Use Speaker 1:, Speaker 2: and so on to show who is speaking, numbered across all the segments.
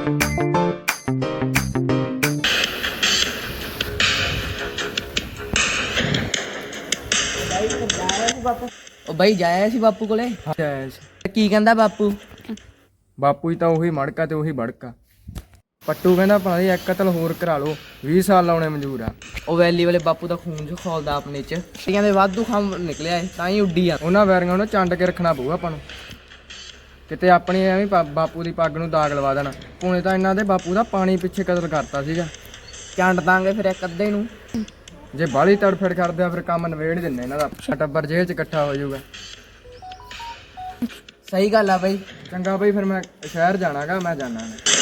Speaker 1: ਉਹ ਬਾਈ ਜਾਇਆ ਸੀ ਬਾਪੂ ਕੋਲੇ। ਕੀ ਕਹਿੰਦਾ ਬਾਪੂ?
Speaker 2: ਬਾਪੂ ਹੀ ਤਾਂ ਉਹੀ ਮੜਕਾ ਤੇ ਉਹੀ ਬੜਕਾ। ਪੱਟੂ ਕਹਿੰਦਾ ਭਾਈ ਇੱਕ ਕਤਲ ਹੋਰ ਕਰਾ ਲਓ, 20 ਸਾਲ ਲਾਉਣੇ ਮਨਜ਼ੂਰ ਆ।
Speaker 1: ਉਹ ਵੈਲੀ ਵਾਲੇ ਬਾਪੂ ਦਾ ਖੂਨ ਜੋ ਖੋਲਦਾ ਆਪਣੇ ਚ, ਕਹਿੰਦੇ ਵਾਧੂ ਖੰਭ ਨਿਕਲਿਆ ਤਾਂ ਹੀ ਉੱਡੀ ਆ।
Speaker 2: ਉਹਨਾਂ ਵੈਰੀਆਂ ਨੂੰ ਚੰਡ ਕੇ ਰੱਖਣਾ ਪਊਗਾ ਆਪਾਂ ਨੂੰ, ਕਿਤੇ ਆਪਣੀ ਐਵੇਂ ਬਾਪੂ ਦੀ ਪੱਗ ਨੂੰ ਦਾਗ ਲਵਾ ਦੇਣਾ। ਪੁਣੇ ਤਾਂ ਇਹਨਾਂ ਦੇ ਬਾਪੂ ਦਾ ਪਾਣੀ ਪਿੱਛੇ ਕਤਲ ਕਰਤਾ ਸੀਗਾ।
Speaker 1: ਚੰਡ ਦਾਂਗੇ ਫਿਰ ਇੱਕ ਅੱਧੇ ਨੂੰ।
Speaker 2: ਜੇ ਬਾਹਲੀ ਤੜਫੜ ਕਰਦੇ ਆ ਫਿਰ ਕੰਮ ਨਵੇੜ ਦਿੰਦੇ ਇਹਨਾਂ ਦਾ, ਟੱਬਰ ਜੇਲ੍ਹ 'ਚ ਇਕੱਠਾ ਹੋ ਜਾਊਗਾ।
Speaker 1: ਸਹੀ ਗੱਲ ਆ ਬਾਈ।
Speaker 2: ਚੰਗਾ ਬਈ ਫਿਰ ਮੈਂ ਸ਼ਹਿਰ ਜਾਣਾਗਾ, ਮੈਂ ਜਾਣਾ।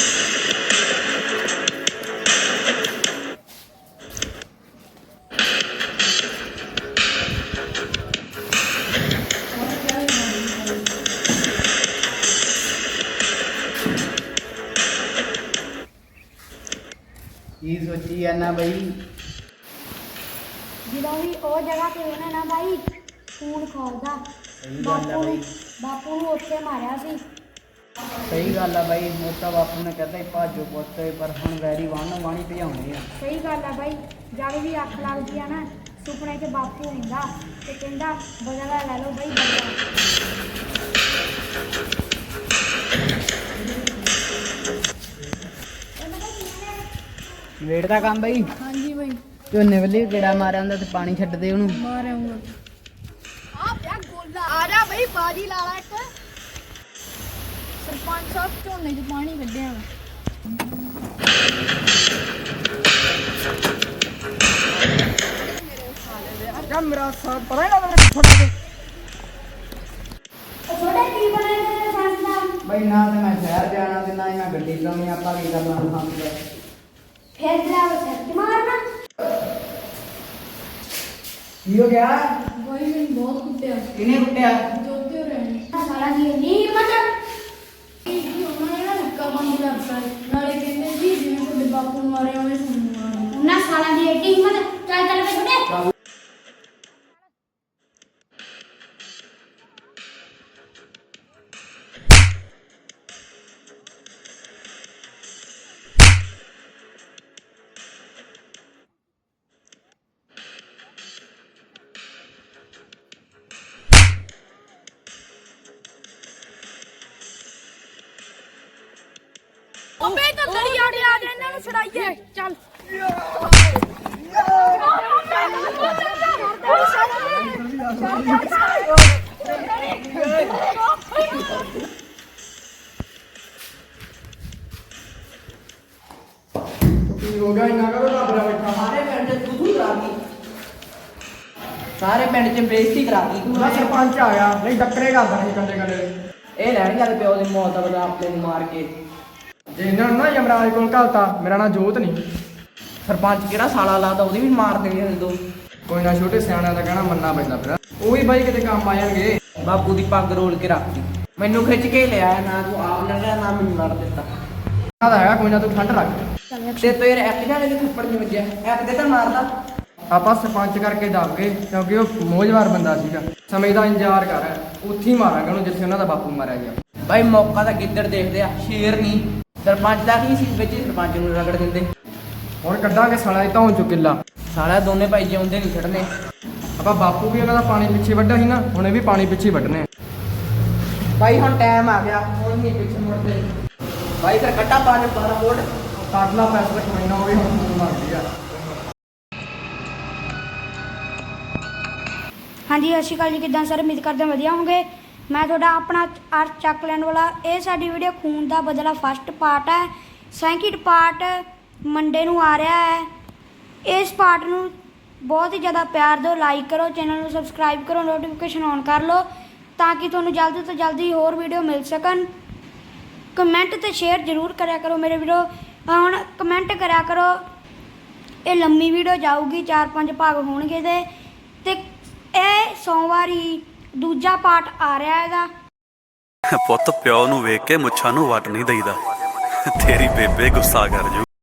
Speaker 1: ਕੀ ਸੋਚੀ ਜਾਂਦਾ ਬਾਈ?
Speaker 3: ਜਦੋਂ ਵੀ ਉਹ ਜਗ੍ਹਾ ਤੇ ਉਹਨੇ ਨਾ ਬਾਈ ਖੂਨ ਖੋਲਦਾ, ਬਾਪੂ ਨੂੰ ਉੱਥੇ ਮਾਰਿਆ ਸੀ।
Speaker 1: ਸਹੀ ਗੱਲ ਆ ਬਾਈ। ਮੋਟਾ ਬਾਪੂ ਨੇ ਕਹਿੰਦਾ ਭਾਜੋ ਪੁੱਤ, ਪਰ ਹੁਣ ਵੈਰੀ ਵਾਣੀ ਭਜਾਉਣੇ ਆ।
Speaker 3: ਸਹੀ ਗੱਲ ਆ ਬਾਈ। ਜਦ ਵੀ ਅੱਖ ਲੱਗਦੀ ਆ ਨਾ, ਸੁਪਨੇ 'ਚ ਬਾਪੂ ਹੁੰਦਾ ਤੇ ਕਹਿੰਦਾ ਬਦਲਾ ਲੈ ਲਓ ਬਾਈ, ਬਦਲਾ।
Speaker 1: ਵੇਟ ਦਾ ਕੰਮ ਬਾਈ।
Speaker 3: ਹਾਂਜੀ ਬਾਈ,
Speaker 1: ਝੋਨੇ ਵੱਲੇ ਕਿਹੜਾ ਮਾਰਿਆ ਹੁੰਦਾ ਤੇ ਪਾਣੀ ਛੱਡ ਦੇ ਉਹਨੂੰ।
Speaker 3: ਮਾਰਿਆਉਂਗਾ। ਆ ਪਿਆ ਗੋਲਾ। ਆ ਜਾ ਬਾਈ, ਬਾਜੀ ਲਾ ਲਾ ਇੱਕ। ਸਰਪੰਚ ਸਾਹਿਬ ਝੋਨੇ 'ਚ ਪਾਣੀ ਕੱਢਿਆ ਵਾ।
Speaker 2: ਜਾ ਮੇਰਾ ਸਾਹ ਪਤਾ ਨਾ ਮੇਰੇ ਫੋਟੋ ਤੇ
Speaker 3: ਛੋਟੇ ਕੀ ਬਣੇ ਨੇ ਸੰਸਥਾ?
Speaker 1: ਬਾਈ ਨਾ ਤੇ ਮੈਂ ਸ਼ਹਿਰ ਜਾਣਾ ਤੇ ਨਾ ਹੀ ਮੈਂ ਗੱਡੀ ਚਲਾਉਣੀ, ਆਪਾਂ ਕੀ ਕਰਨਾ ਸਮਝਦਾ।
Speaker 3: ਫਿਰ ਡਰਾਈਵਰ ਸੱਚ ਮਾਰਨਾ।
Speaker 1: ਕੀ ਹੋ ਗਿਆ?
Speaker 3: ਬਾਈ ਮੈਨੂੰ ਬਹੁਤ ਕੁੱਟਿਆ।
Speaker 1: ਕਿਹਨੇ ਕੁੱਟਿਆ?
Speaker 3: ਜੋਤੇ ਹੋ ਰਹੇ ਸਾਲਾ ਦੀ ਇੰਨੀ ਹਿੰਮਤ ਕੀ ਉਹਨਾਂ ਨੇ ਨਾ ਨੱਕਾ ਬੰਦ ਕਰਤਾ। ਨਾਲੇ ਕਹਿੰਦੇ ਜੀ ਜਿਵੇਂ ਤੁਹਾਡੇ ਬਾਪੂ ਨੂੰ ਮਾਰਿਆ ਉਹਨੇ ਤੁਹਾਨੂੰ ਮਾਰਿਆ। ਉਹਨਾਂ ਸਾਲਾਂ ਦੀ ਐਡੀ ਹਿੰਮਤ। ਚੱਲ ਚੱਲ ਕੇ ਛੁੱਟੇ। ਅਬੇ ਤਾਂ ਗੜੀ ਆ ਗਿਆ, ਇਹਨਾਂ ਨੂੰ ਛੜਾਈਏ। ਚੱਲ
Speaker 2: ਕੀ ਹੋ ਗਿਆ? ਇੰਨਾ ਕਰੋ ਰੱਬ ਦਾ ਬੈਠਾ।
Speaker 1: ਸਾਰੇ ਪਿੰਡ ਚ ਤੂੰ ਕਰਾਤੀ, ਸਾਰੇ ਪਿੰਡ ਚ ਬੇਇੱਜ਼ਤੀ ਕਰਾਤੀ ਤੂੰ।
Speaker 2: ਉਹਦਾ ਸਰਪੰਚ ਆ ਗਿਆ, ਨਹੀਂ ਡੱਕਰੇ ਕਰਦਾ ਸੀ ਕੰਡੇ ਕੰਡੇ।
Speaker 1: ਇਹ ਲੈਣ ਜਾਂਦੇ ਪਿਓ ਦੀ ਮੌਤ ਦਾ ਬਦਲਾ ਆਪਣੇ ਨੂੰ ਮਾਰ ਕੇ।
Speaker 2: ਜੇ ਇਹਨਾਂ ਨੂੰ ਨਾ ਯਮਰਾਜ ਕੋਲ ਘਲਤਾ, ਮੇਰਾ ਨਾਂ ਜੋਤ ਨਹੀਂ।
Speaker 1: ਸਰਪੰਚ ਕਿਹੜਾ ਸਾਲਾ ਲਾਦਾ, ਉਹਦੀ ਵੀ ਮਾਰ ਦੇਣੀ ਦੋ।
Speaker 2: ਕੋਈ ਨਾ, ਛੋਟੇ ਸਿਆਣਿਆਂ ਦਾ ਕਹਿਣਾ ਮੰਨਣਾ ਪੈਂਦਾ। ਫਿਰ ਉਹ ਵੀ ਬਾਈ ਕਿਤੇ ਕੰਮ ਆ ਜਾਣਗੇ।
Speaker 1: ਬਾਪੂ ਦੀ ਪੱਗ ਰੋਲ ਕੇ ਰੱਖਦੀ, ਮੈਨੂੰ ਖਿੱਚ ਕੇ ਲਿਆਇਆ। ਨਾ ਤੂੰ ਆਪ ਲੜਿਆ ਨਾ ਮੈਨੂੰ ਲੜ ਦਿੱਤਾ।
Speaker 2: ਉਹਨਾਂ ਦਾ ਹੈਗਾ, ਕੋਈ ਨਾ ਤੂੰ ਠੰਡ ਰੱਖ।
Speaker 1: ਤੇ ਤੂੰ ਯਾਰ ਇੱਕ ਜਾਣੇ ਦੇ ਥੱਪੜ ਨਹੀਂ ਵੱਜਿਆ, ਇੱਕ ਦੇ ਤਾਂ ਮਾਰਦਾ।
Speaker 2: ਆਪਾਂ ਸਰਪੰਚ ਕਰਕੇ ਦੱਬ ਗਏ ਕਿਉਂਕਿ ਉਹ ਮੋਜਵਾਰ ਬੰਦਾ ਸੀਗਾ। ਸਮੇਂ ਦਾ ਇੰਤਜ਼ਾਰ ਕਰ, ਉੱਥੇ ਹੀ ਮਾਰਾਂਗੇ ਉਹਨੂੰ ਜਿੱਥੇ ਉਹਨਾਂ ਦਾ ਬਾਪੂ ਮਾਰਿਆ ਗਿਆ।
Speaker 1: ਬਾਈ ਮੌਕਾ ਤਾਂ ਗਿੱਦੜ ਦੇਖਦੇ ਆ, ਸ਼ੇਰ ਨਹੀਂ। ਸਰਪੰਚ ਦਾ ਕੀ ਸੀ ਵਿੱਚ, ਸਰਪੰਚ ਨੂੰ ਰਗੜ ਦਿੰਦੇ।
Speaker 2: ਹੁਣ ਕੱਢਾਂਗੇ ਸਾਲਾ ਧੌਣ ਚੋਂ ਕਿੱਲਾ।
Speaker 1: ਸਾਲਾ ਦੋਨੇ ਭਾਈ ਜਿਉਂਦੇ ਨਹੀਂ ਛੱਡਨੇ।
Speaker 2: ਆਪਾਂ ਬਾਪੂ ਵੀ ਉਹਨਾਂ ਦਾ ਪਾਣੀ ਪਿੱਛੇ ਵੱਢਿਆ ਸੀ ਨਾ, ਹੁਣ ਇਹ ਵੀ ਪਾਣੀ ਪਿੱਛੇ ਵੱਢਣੇ।
Speaker 1: ਬਾਈ ਹੁਣ ਟਾਈਮ ਆ ਗਿਆ, ਹੁਣ ਨਹੀਂ ਪਿੱਛੇ ਮੁੜਦੇ। ਬਾਈ ਫਿਰ ਕੱਟਾ ਪਾ ਕੇ 12 ਵੋਟ
Speaker 2: ਕਾਟਲਾ ਫੈਸਲਾ ਕਮਾਈਨਾ ਹੋਵੇ ਹੁਣ ਫੋਨ ਮਾਰਦੀ ਆ।
Speaker 3: ਹਾਂਜੀ ਸਤਿ ਸ਼੍ਰੀ ਅਕਾਲ ਜੀ, ਕਿੱਦਾਂ ਸਰ? ਉਮੀਦ ਕਰਦੇ ਵਧੀਆ ਹੋਗੇ। ਮੈਂ ਤੁਹਾਡਾ ਆਪਣਾ ਅਰਥ ਚੱਕ ਲੈਣ ਵਾਲਾ। ਇਹ ਸਾਡੀ ਵੀਡੀਓ ਖੂਨ ਦਾ ਬਦਲਾ ਫਸਟ ਪਾਰਟ ਹੈ। ਸੈਕਿੰਡ ਪਾਰਟ ਮੰਡੇ ਨੂੰ ਆ ਰਿਹਾ ਹੈ। ਇਸ ਪਾਰਟ ਨੂੰ ਬਹੁਤ ਹੀ ਜ਼ਿਆਦਾ ਪਿਆਰ ਦਿਓ, ਲਾਈਕ ਕਰੋ, ਚੈਨਲ ਨੂੰ ਸਬਸਕ੍ਰਾਈਬ ਕਰੋ, ਨੋਟੀਫਿਕੇਸ਼ਨ ਔਨ ਕਰ ਲਓ ਤਾਂ ਕਿ ਤੁਹਾਨੂੰ ਜਲਦੀ ਤੋਂ ਜਲਦੀ ਹੋਰ ਵੀਡੀਓ ਮਿਲ ਸਕਣ। ਕਮੈਂਟ ਤੇ ਸ਼ੇਅਰ ਜ਼ਰੂਰ ਕਰਿਆ ਕਰੋ ਮੇਰੇ ਵੀਡੀਓ। ਹੁਣ ਕਮੈਂਟ ਕਰਿਆ ਕਰੋ। ਇਹ ਲੰਮੀ ਵੀਡੀਓ ਜਾਊਗੀ, 4-5 ਭਾਗ ਹੋਣਗੇ ਇਹਦੇ ਤੇ ਇਹ ਸੋਮਵਾਰ ਹੀ ਦੂਜਾ ਪਾਰਟ ਆ ਰਿਹਾ ਇਹਦਾ।
Speaker 4: ਪੁੱਤ ਪਿਓ ਨੂੰ ਵੇਖ ਕੇ ਮੁੱਛਾਂ ਨੂੰ ਵੱਟ ਨਹੀਂ ਦਈਦਾ, ਤੇਰੀ ਬੇਬੇ ਗੁੱਸਾ ਕਰ ਜੂ।